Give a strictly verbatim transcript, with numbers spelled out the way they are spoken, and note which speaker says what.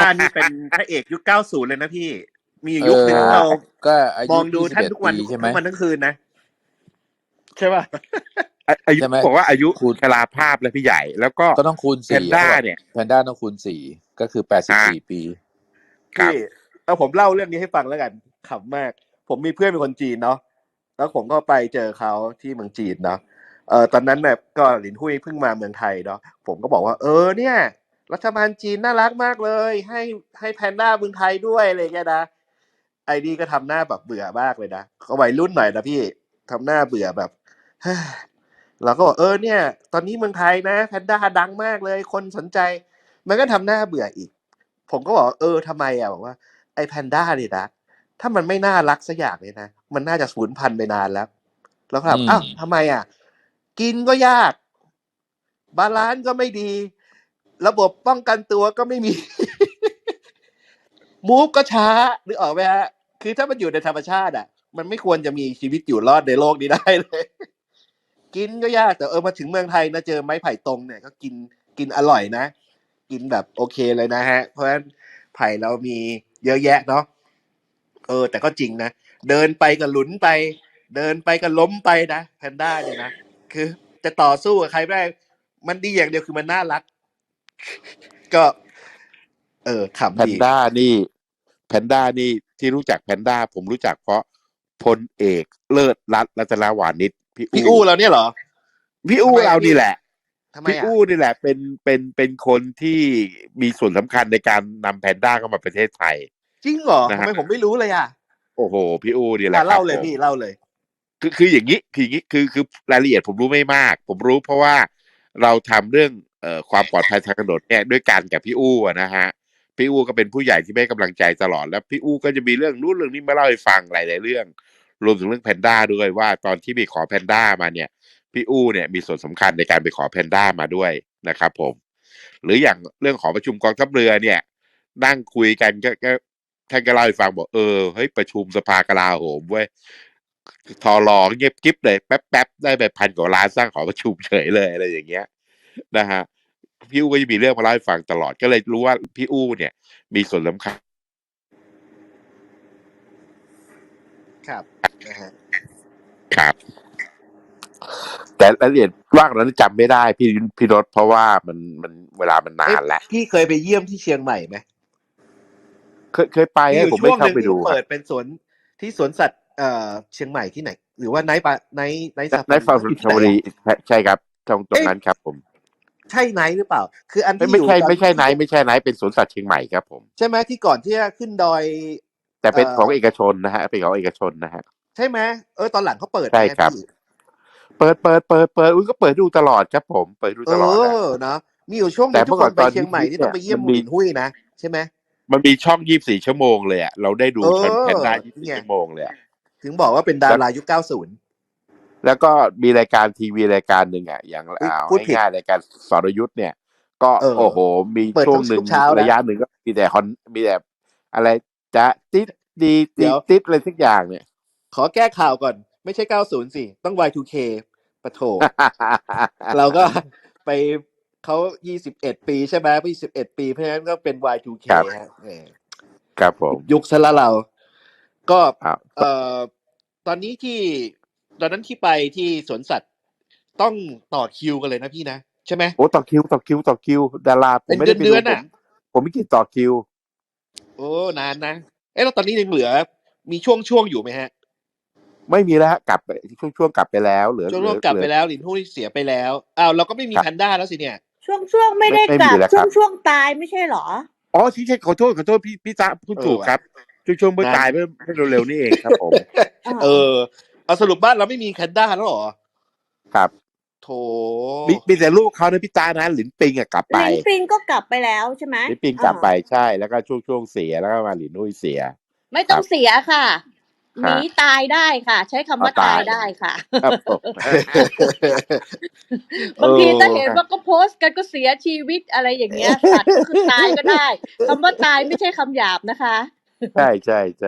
Speaker 1: นี่เป็นพระเอกยุคเก้าสิบเลยนะพี่มียุคหนึ่งเรา
Speaker 2: ก็อายุ
Speaker 1: มองดูท่านทุกวันทุกวันทั้งคืนนะใช่ป่ะ
Speaker 3: อายุบอกว่าอายุชราภาพแล้วพี่ใหญ่แล้วก็
Speaker 2: ก็ต้องคูณสี่
Speaker 3: แพนด้าเนี่ย
Speaker 2: แพนด้าต้องคูณสี่ก็คือแปดสิบสี่ปี
Speaker 1: พี่เอาผมเล่าเรื่องนี้ให้ฟังแล้วกันขำมากผมมีเพื่อนเป็นคนจีนเนาะแล้วผมก็ไปเจอเขาที่เมืองจีนเนาะเออตอนนั้นแบบก็หลินหุ้ยเพิ่งมาเมืองไทยเนาะผมก็บอกว่าเออเนี่ยรัฐบาลจีนน่ารักมากเลยให้ให้แพนด้าเมืองไทยด้วยอะไรเงี้ยนะไอ้นี่ก็ทำหน้าแบบเบื่อมากเลยนะเขาวัยรุ่นหน่อยนะพี่ทำหน้าเบื่อแบบเราก็บอกเออเนี่ยตอนนี้เมืองไทยนะแพนด้าดังมากเลยคนสนใจมันก็ทำหน้าเบื่ออีกผมก็บอกเออทำไมอ่ะบอกว่าไอ้แพนด้าเนี่ยนะถ้ามันไม่น่ารักสักอย่างเลยนะมันน่าจะสูญพันธุ์ไปนานแล้วแล้วครับอ้าวทำไมอ่ะกินก็ยากบาลานซ์ก็ไม่ดีระบบป้องกันตัวก็ไม่มี มูฟก็ช้านึกออกไหมฮะคือถ้ามันอยู่ในธรรมชาติอ่ะมันไม่ควรจะมีชีวิตอยู่รอดในโลกนี้ได้เลย กินก็ยากแต่เออมาถึงเมืองไทยนะเจอไม้ไผ่ตรงเนี่ยก็กินกินอร่อยนะกินแบบโอเคเลยนะฮะเพราะฉะนั้นไผ่เรามีเยอะแยะเนาะเออแต่ก็จริงนะเดินไปก็หลุนไปเดินไปก็ล้มไปนะแพนด้าเนี่ยนะคือจะต่อสู้กับใครไม่ได้มันดีอย่างเดียวคือมันน่ารักก็เออขำดี
Speaker 3: แพนด้านี่แพนด้านี่ที่รู้จักแพนด้าผมรู้จักเพราะพลเอกเลิศรัตน์รัตนวานิชพี่
Speaker 1: พี่อู้เราเนี่ยเหรอ
Speaker 3: พี่อู้เรานี่แหละพี่
Speaker 1: อู้
Speaker 3: นี่แหละเป็นเป็นเป็นคนที่มีส่วนสำคัญในการนำแพนด้าเข้ามาประเทศไทย
Speaker 1: จริงเหรอทำไมผมไม่รู้เลยอ่ะ
Speaker 3: โอ้โหพี่อู้นี่แหละ
Speaker 1: เล่าเลยพี่เล่าเลย
Speaker 3: คือคืออย่างนี้คืออย่างนี้คือคือรายละเอียดผมรู้ไม่มากผมรู้เพราะว่าเราทำเรื่องเอ่อความปลอดภัยทางถนนเนี่ยด้วยกันกับพี่อู้นะฮะพี่อู้ก็เป็นผู้ใหญ่ที่ให้กำลังใจตลอดแล้วพี่อู้ก็จะมีเรื่องนู้นเรื่องนี้มาเล่าให้ฟังหลายๆเรื่องรวมถึงเรื่องแพนด้าด้วยว่าตอนที่ไปขอแพนด้ามาเนี่ยพี่อู้เนี่ยมีส่วนสำคัญในการไปขอแพนด้ามาด้วยนะครับผมหรืออย่างเรื่องของประชุมกองทัพเรือเนี่ยนั่งคุยกันก็ก็ท่านก็เล่าให้ฟังบอกเออเฮ้ยประชุมสภากลาโหมเว้ยทอรอเงียบกิ๊บเลยแป๊บๆได้ไปพันกว่าล้านสร้างหอประชุมเฉยเลยอะไรอย่างเงี้ยนะฮะพี่อู้ก็จะมีเรื่องมาเล่าให้ฟังตลอดก็เลยรู้ว่าพี่อู้เนี่ยมีส่วนสำคัญ
Speaker 1: ครับนะฮะ
Speaker 3: ครับแต่รายละเอียดว่างนั้นจำไม่ได้พี่พี่รถเพราะว่ามันมันเวลามันนานแล้ว
Speaker 1: พี่เคยไปเยี่ยมที่เชียงใหม่ไหม
Speaker 3: เคยเคยไปให้ผมไม่เข้าไปดู
Speaker 1: เปิดเป็นสวนที่สวนสัตว์เอ่อเชียงใหม่ที่ไหนหรือว่าไนท์ปะไนท์ไนท์ซาฟารี
Speaker 3: ไนท์ฟารีใช่ครับตรงตรงนั้นครับผม
Speaker 1: ใช่ไนท์หรือเปล่าคืออันที่
Speaker 3: ไม่ใช่ไม่ใช่ไนท์ไม่ใช่ไนท์เป็นสวนสัตว์เชียงใหม่ครับผม
Speaker 1: ใช่ไหมที่ก่อนที่จะขึ้นดอย
Speaker 3: แต่เป็นของเอกชนนะฮะเป็นของเอกชนนะฮะ
Speaker 1: ใช่ไหมเออตอนหลังเขาเปิด
Speaker 3: ใช่ครับเปิดเปิดเปิดเปิดอุ้ยก็เปิดดูตลอดครับผมเปิดดูตลอด
Speaker 1: เออนะมีอยู่ช่วงนึงทุกคนไปเชียงใหม่นี่ต้องไปเยี่ยมหลินหุ้ยนะใช่ไหม
Speaker 3: มันมีช่องยี่สิบสี่ชั่วโมงเลยอ่ะเราได้ดูแพนด้ายี่สิบสี่ชั่วโมงเลย
Speaker 1: ถึงบอกว่าเป็นดารายุคเก้าสิบ
Speaker 3: แล้วก็มีรายการทีวีรายการหนึ่งอ่ะอย่างเอาง่ายๆรายการสรยุทธ์เนี่ยก็โอ้โหมีช่วงหนึ่งระยะหนึ่งก็มีแต่ฮอนมีแต่อะไรจะติดดีติดติดอะไรสักอย่างเนี่ย
Speaker 1: ขอแก้ข่าวก่อนไม่ใช่เก้าสิบสิต้อง วาย ทู เค ปะโถ เราก็ไปเขายี่สิบเอ็ดปีใช่ไหมยี่สิบเอ็ดปีเพราะฉะนั้นก็เป็น วาย ทู เค ฮะ
Speaker 3: ครับผม
Speaker 1: ยุคซะละเราก็เอ่อตอนนี้ที่ตอนนั้นที่ไปที่สวนสัตว์ต้องต่อคิวกันเลยนะพี่นะใช่ไหม
Speaker 3: โอ้ต่อคิวต่อคิวต่อคิวดาราผมไม่ได้ไปดูผมผมไม่กินต่อคิว
Speaker 1: โอ้นานนะเอ๊ะแล้วตอนนี้ยังเหลือมีช่วงช่วงอยู่ไหมฮะ
Speaker 3: ไม่มีแล้วกลับไปช่วงช่วงกลับไปแล้วเหลือ
Speaker 1: ช่วงช่วงกลับไปแล้วหลินหุ้ยเสียไปแล้วอ้าวเราก็ไม่มีแพนด้าแล้วสิเนี่ย
Speaker 4: ช่วงช่วงไม่ได้กลับช่วงช่วงตายไม่ใช่หรอ
Speaker 3: อ๋อที่ใช่ขอโทษขอโทษพี่พี่จ๊ะพูดถูกครับช่วงช่วงเมื่อตายเมื่อเร็วๆนี่เองครับผม
Speaker 1: เออเอาสรุปบ้านเราไม่มีแพนด้าแล้วหรอ
Speaker 3: ครับ
Speaker 1: โถ
Speaker 3: มีมีแต่ลูกเขานะพี่จ๊ะนะหลินปิงอะกลับไป
Speaker 4: หลินปิงก็กลับไปแล้วใช่ไหม
Speaker 3: หลินปิงกลับไปใช่แล้วก็ช่วงช่วงเสียแล้วก็มาหลินหุ้ยเสีย
Speaker 4: ไม่ต้องเสียค่ะหนีตายได้ค่ะใช้คำว่าตายได้ค่ะบางทีถ้าเห็นว่าก็โพสต์กันก็เสียชีวิตอะไรอย่างเงี้ยสัตว์ก็คือตายก็ได้คำว่าตายไม่ใช่คำหยาบนะคะ
Speaker 3: ใช่ใช่